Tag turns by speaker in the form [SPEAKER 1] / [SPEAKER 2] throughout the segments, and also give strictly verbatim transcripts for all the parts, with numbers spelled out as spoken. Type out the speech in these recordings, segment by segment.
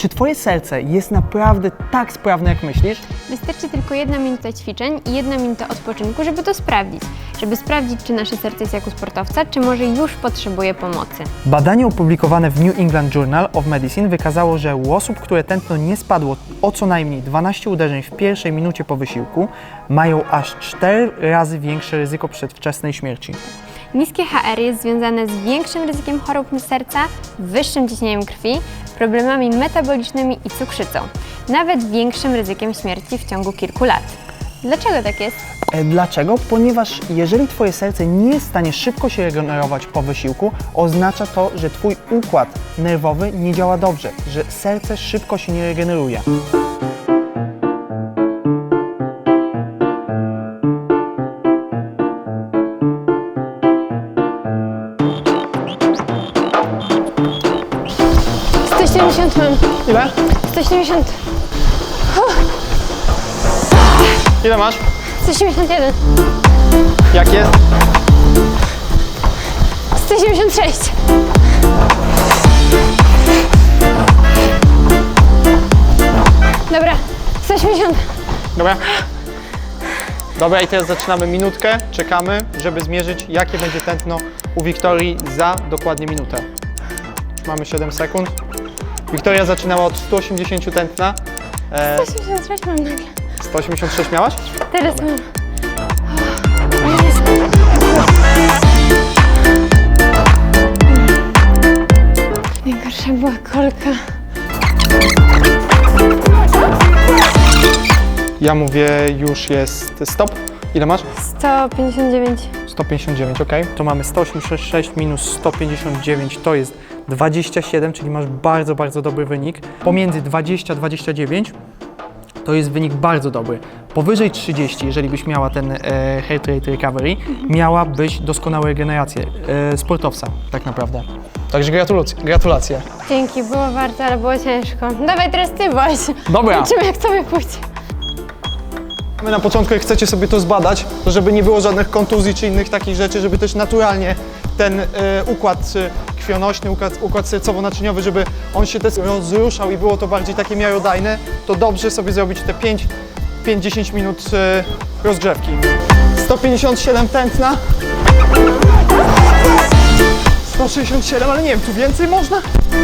[SPEAKER 1] Czy twoje serce jest naprawdę tak sprawne, jak myślisz?
[SPEAKER 2] Wystarczy tylko jedna minuta ćwiczeń i jedna minuta odpoczynku, żeby to sprawdzić. Żeby sprawdzić, czy nasze serce jest jak u sportowca, czy może już potrzebuje pomocy.
[SPEAKER 1] Badanie opublikowane w New England Journal of Medicine wykazało, że u osób, które tętno nie spadło o co najmniej dwanaście uderzeń w pierwszej minucie po wysiłku, mają aż cztery razy większe ryzyko przedwczesnej śmierci.
[SPEAKER 2] Niskie H R jest związane z większym ryzykiem chorób serca, wyższym ciśnieniem krwi, problemami metabolicznymi i cukrzycą, nawet większym ryzykiem śmierci w ciągu kilku lat. Dlaczego tak jest?
[SPEAKER 1] E, Dlaczego? Ponieważ jeżeli twoje serce nie jest w stanie szybko się regenerować po wysiłku, oznacza to, że twój układ nerwowy nie działa dobrze, że serce szybko się nie regeneruje.
[SPEAKER 2] sto siedemdziesiąt mam.
[SPEAKER 1] Ile?
[SPEAKER 2] sto siedemdziesiąt.
[SPEAKER 1] Ile masz?
[SPEAKER 2] sto siedemdziesiąt jeden.
[SPEAKER 1] Jak jest?
[SPEAKER 2] sto siedemdziesiąt sześć. Dobra, sto osiemdziesiąt.
[SPEAKER 1] Dobra. Dobra, i teraz zaczynamy minutkę. Czekamy, żeby zmierzyć, jakie będzie tętno u Wiktorii za dokładnie minutę. Już mamy siedem sekund. Wiktoria zaczynała od stu osiemdziesięciu tętna. E,
[SPEAKER 2] sto osiemdziesiąt sześć mam nagle.
[SPEAKER 1] sto osiemdziesiąt sześć miałaś?
[SPEAKER 2] Teraz mam. Najgorsza była kolka.
[SPEAKER 1] Ja mówię, już jest stop. Ile masz?
[SPEAKER 2] sto pięćdziesiąt dziewięć.
[SPEAKER 1] sto pięćdziesiąt dziewięć, ok. To mamy sto osiemdziesiąt sześć minus sto pięćdziesiąt dziewięć, to jest dwadzieścia siedem, czyli masz bardzo, bardzo dobry wynik. Pomiędzy dwadzieścia a dwadzieścia dziewięć to jest wynik bardzo dobry. Powyżej trzydzieści, jeżeli byś miała ten e, heart rate recovery, miałabyś doskonałą regenerację e, sportowca, tak naprawdę. Także gratulacje. gratulacje.
[SPEAKER 2] Dzięki, było warto, ale było ciężko. Dawaj teraz ty, Boś.
[SPEAKER 1] Dobra.
[SPEAKER 2] Zobaczymy, jak tobie pójdzie.
[SPEAKER 1] My na początku, jak chcecie sobie to zbadać, to żeby nie było żadnych kontuzji czy innych takich rzeczy, żeby też naturalnie ten y, układ y, krwionośny, układ, układ sercowo-naczyniowy, żeby on się też rozruszał i było to bardziej takie miarodajne, to dobrze sobie zrobić te pięć do dziesięciu minut y, rozgrzewki. sto pięćdziesiąt siedem tętna. sto sześćdziesiąt siedem, ale nie wiem, tu więcej można?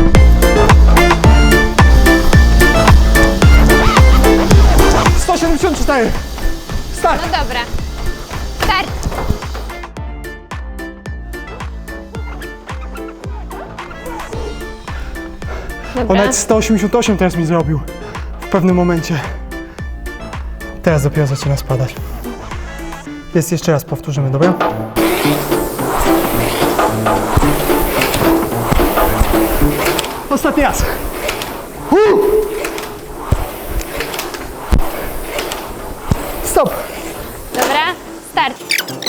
[SPEAKER 1] sto siedemdziesiąt cztery. Start!
[SPEAKER 2] No dobra. Start!
[SPEAKER 1] On
[SPEAKER 2] Dobra.
[SPEAKER 1] nawet sto osiemdziesiąt osiem teraz mi zrobił w pewnym momencie. Teraz dopiero zaczyna spadać. Jest jeszcze raz, powtórzymy, dobra? Ostatni raz. Uh! Stop!
[SPEAKER 2] Dobra, start.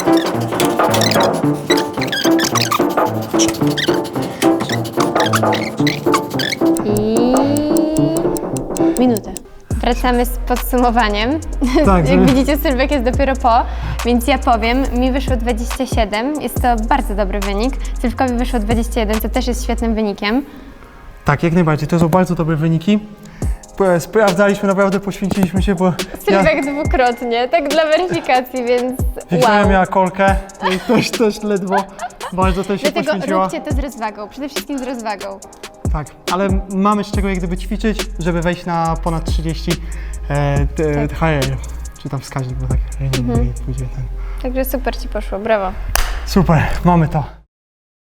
[SPEAKER 2] I minutę. Wracamy z podsumowaniem.
[SPEAKER 1] Tak,
[SPEAKER 2] Jak
[SPEAKER 1] żeby-
[SPEAKER 2] widzicie, Sylwek jest dopiero po, więc ja powiem, mi wyszło dwadzieścia siedem, jest to bardzo dobry wynik. Sylwkowi wyszło dwadzieścia jeden, co też jest świetnym wynikiem.
[SPEAKER 1] Tak, jak najbardziej. To są bardzo dobre wyniki. P- Sprawdzaliśmy, naprawdę poświęciliśmy się, bo
[SPEAKER 2] Sylwek dwukrotnie, tak dla weryfikacji, więc
[SPEAKER 1] Wiktoria
[SPEAKER 2] wow.
[SPEAKER 1] miała kolkę i też, też ledwo bardzo też się
[SPEAKER 2] Dlatego
[SPEAKER 1] poświęciła.
[SPEAKER 2] róbcie to z rozwagą, przede wszystkim z rozwagą.
[SPEAKER 1] Tak, ale mamy z czego jak gdyby ćwiczyć, żeby wejść na ponad trzydzieści e, t-
[SPEAKER 2] Tak.
[SPEAKER 1] H R, czy tam wskaźnik, bo tak nie, nie, nie pójdzie ten.
[SPEAKER 2] Także super ci poszło, brawo.
[SPEAKER 1] Super, mamy to.